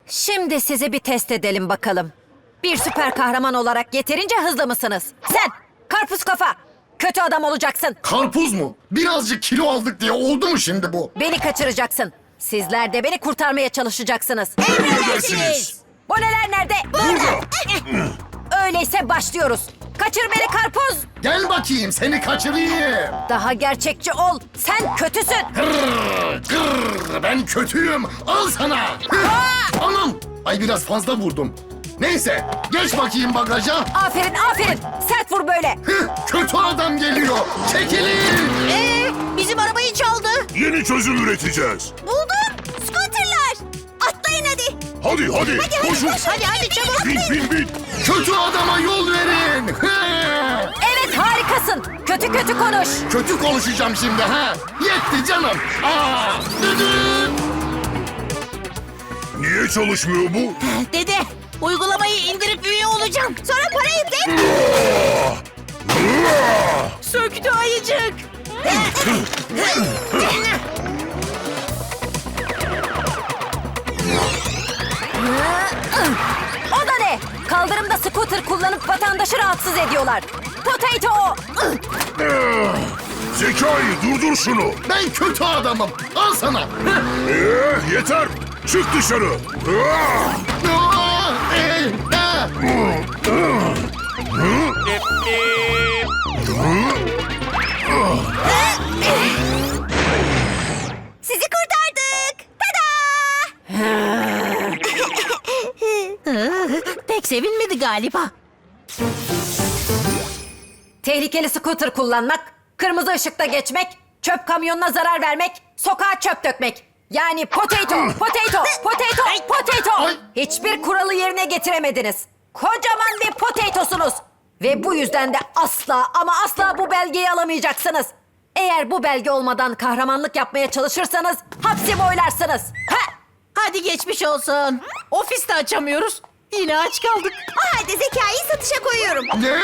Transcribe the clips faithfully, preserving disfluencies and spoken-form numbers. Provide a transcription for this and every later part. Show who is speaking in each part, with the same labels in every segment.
Speaker 1: Şimdi sizi bir test edelim bakalım. Bir süper kahraman olarak yeterince hızlı mısınız? Sen, karpuz kafa, kötü adam olacaksın.
Speaker 2: Karpuz mu? Birazcık kilo aldık diye oldu mu şimdi bu?
Speaker 1: Beni kaçıracaksın. Sizler de beni kurtarmaya çalışacaksınız.
Speaker 3: Emredersiniz.
Speaker 1: Boneler nerede?
Speaker 3: Burada.
Speaker 1: Öyleyse başlıyoruz. Kaçır beni karpuz.
Speaker 2: Gel bakayım seni kaçırayım.
Speaker 1: Daha gerçekçi ol. Sen kötüsün.
Speaker 2: Gırr, gırr, ben kötüyüm. Al sana. Hıh, Anam. Ay biraz fazla vurdum. Neyse geç bakayım bagaja.
Speaker 1: Aferin, aferin. Sert vur böyle.
Speaker 2: Hıh, Kötü adam geliyor. Çekilin.
Speaker 4: Ee, bizim arabayı çaldı.
Speaker 3: Yeni çözüm üreteceğiz.
Speaker 4: Buldum. Scooterlar. Atlayın hadi.
Speaker 3: Hadi hadi,
Speaker 4: Hadi
Speaker 3: koşun.
Speaker 4: hadi koş. Hadi hadi çabuk.
Speaker 3: Bin bin bin.
Speaker 2: Kötü adama yol verin. Hıh.
Speaker 1: Evet, harikasın. Kötü kötü konuş.
Speaker 2: Kötü konuşacağım şimdi ha. Yetti canım. Aa, düdüğüm.
Speaker 3: Niye çalışmıyor bu?
Speaker 4: Dede, uygulamayı indirip üye olacağım. Sonra parayı de... Söktü ayıcık.
Speaker 1: O da ne? Kaldırımda scooter kullanıp vatandaşı rahatsız ediyorlar. Potato!
Speaker 3: Zekai durdur şunu.
Speaker 2: Ben kötü adamım. Al sana. Hıh.
Speaker 3: Ee, yeter. Çık dışarı. Ah!
Speaker 2: Aa, ey, ah.
Speaker 4: Sizi kurtardık. Tada! Pek sevinmedi galiba.
Speaker 1: Tehlikeli scooter kullanmak, kırmızı ışıkta geçmek, çöp kamyonuna zarar vermek, sokağa çöp dökmek. Yani potato, potato, potato, potato.
Speaker 2: Ay.
Speaker 1: Hiçbir kuralı yerine getiremediniz. Kocaman bir potatosunuz. Ve bu yüzden de asla ama asla bu belgeyi alamayacaksınız. Eğer bu belge olmadan kahramanlık yapmaya çalışırsanız hapsi boylarsınız. Ha!
Speaker 4: Hadi geçmiş olsun. Ofiste açamıyoruz. Yine aç kaldık. O halde zekayı satışa koyuyorum.
Speaker 2: Ne?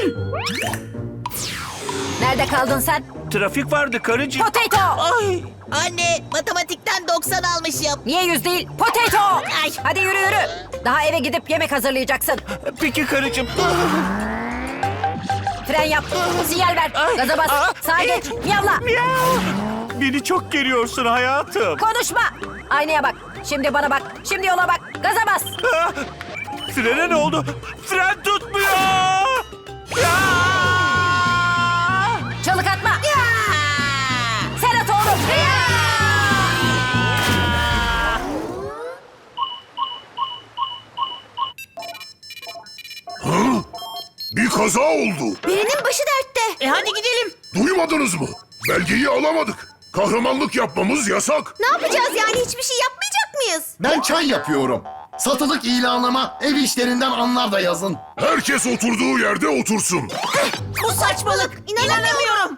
Speaker 1: Nerede kaldın sen?
Speaker 5: Trafik vardı karıcığım.
Speaker 1: Potato!
Speaker 4: Ay. Anne, matematikten doksan almışım.
Speaker 1: Niye yüz değil? Potato!
Speaker 4: Ay.
Speaker 1: Hadi yürü yürü. Daha eve gidip yemek hazırlayacaksın.
Speaker 5: Peki karıcığım.
Speaker 1: Fren yap. Sinyal ver. Gaza bas. Sağa geç. Miyavla.
Speaker 5: Miau. Beni çok geriyorsun hayatım.
Speaker 1: Konuşma. Aynaya bak. Şimdi bana bak. Şimdi yola bak. Gaza bas.
Speaker 5: Ah! Frene ne oldu? Fren tutmuyor. Ya!
Speaker 1: Çalık atma. Sen at oğlum.
Speaker 3: Bir kaza oldu.
Speaker 4: Birinin başı dertte. E hadi gidelim.
Speaker 3: Duymadınız mı? Belgeyi alamadık. Kahramanlık yapmamız yasak.
Speaker 4: Ne yapacağız yani? Hiçbir şey yapmayacak mıyız?
Speaker 2: Ben çay yapıyorum. Satılık ilanıma ev işlerinden anlar da yazın.
Speaker 3: Herkes oturduğu yerde otursun.
Speaker 4: Bu saçmalık. İnanamıyorum.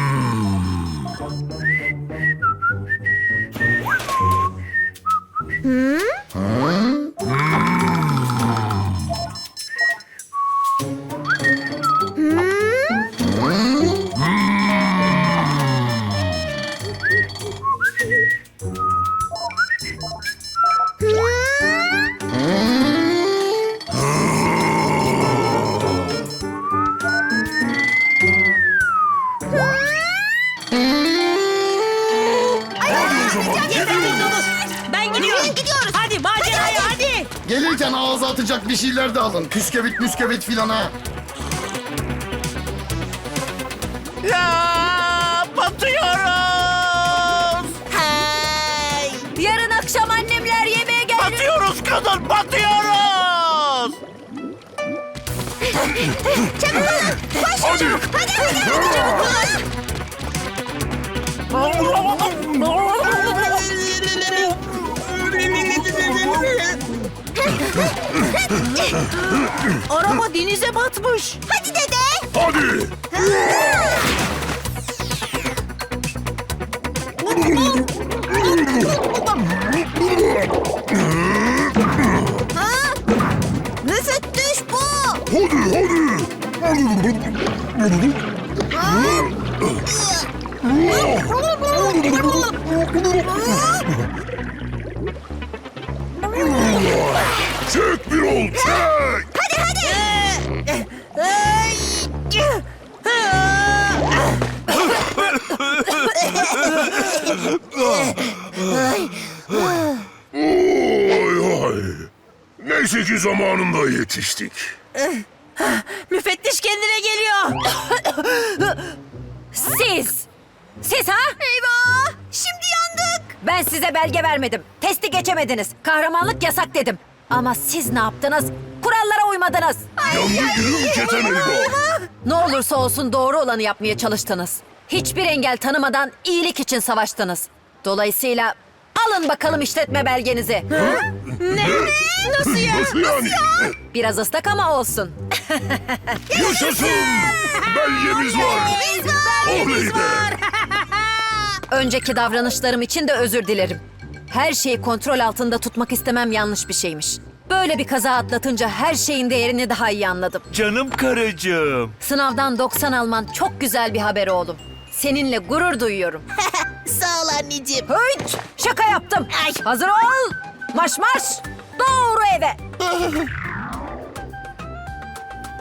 Speaker 3: Hadi o zaman gidiyoruz.
Speaker 4: Ben gidiyorum. Gidiyoruz. Hadi maceraya hadi.
Speaker 2: Gelirken ağza atacak bir şeyler de alın. Püskevit müskevit filan ha.
Speaker 5: Ya! Batıyoruz.
Speaker 4: Hay.
Speaker 1: Yarın akşam annemler yemeğe gelir.
Speaker 5: Batıyoruz kadın, batıyoruz.
Speaker 4: Çabuk olun. Koş.
Speaker 3: Hadi.
Speaker 4: Hadi hadi. Hadi çabuk olun. Araba denize batmış. Hadi dede.
Speaker 3: Hadi.
Speaker 4: Nasıl düş bu?
Speaker 3: Hadi hadi. Çök bir ol, çök!
Speaker 4: Hadi hadi.
Speaker 3: Oy oy. Neyse ki zamanında yetiştik.
Speaker 4: Müfettiş kendine geliyor.
Speaker 1: Siz! Siz ha?
Speaker 4: Eyvah! Şimdi yandık.
Speaker 1: Ben size belge vermedim. Testi geçemediniz. Kahramanlık yasak dedim. Ama siz ne yaptınız? Kurallara uymadınız.
Speaker 3: Yandı gülüm keten eyvah.
Speaker 1: Ne olursa olsun doğru olanı yapmaya çalıştınız. Hiçbir engel tanımadan iyilik için savaştınız. Dolayısıyla alın bakalım işletme belgenizi.
Speaker 4: Ne? Nasıl ya?
Speaker 3: Nasıl yani?
Speaker 1: Biraz ıslak ama olsun.
Speaker 3: Yaşasın! Belgemiz var. Oley be!
Speaker 1: Önceki davranışlarım için de özür dilerim. Her şeyi kontrol altında tutmak istemem yanlış bir şeymiş. Böyle bir kaza atlatınca her şeyin değerini daha iyi anladım.
Speaker 5: Canım karıcığım.
Speaker 1: Sınavdan doksan alman çok güzel bir haber oğlum. Seninle gurur duyuyorum.
Speaker 4: Sağ ol anneciğim.
Speaker 1: Hıç! Şaka yaptım.
Speaker 4: Ay.
Speaker 1: Hazır ol. Marş marş. Doğru eve.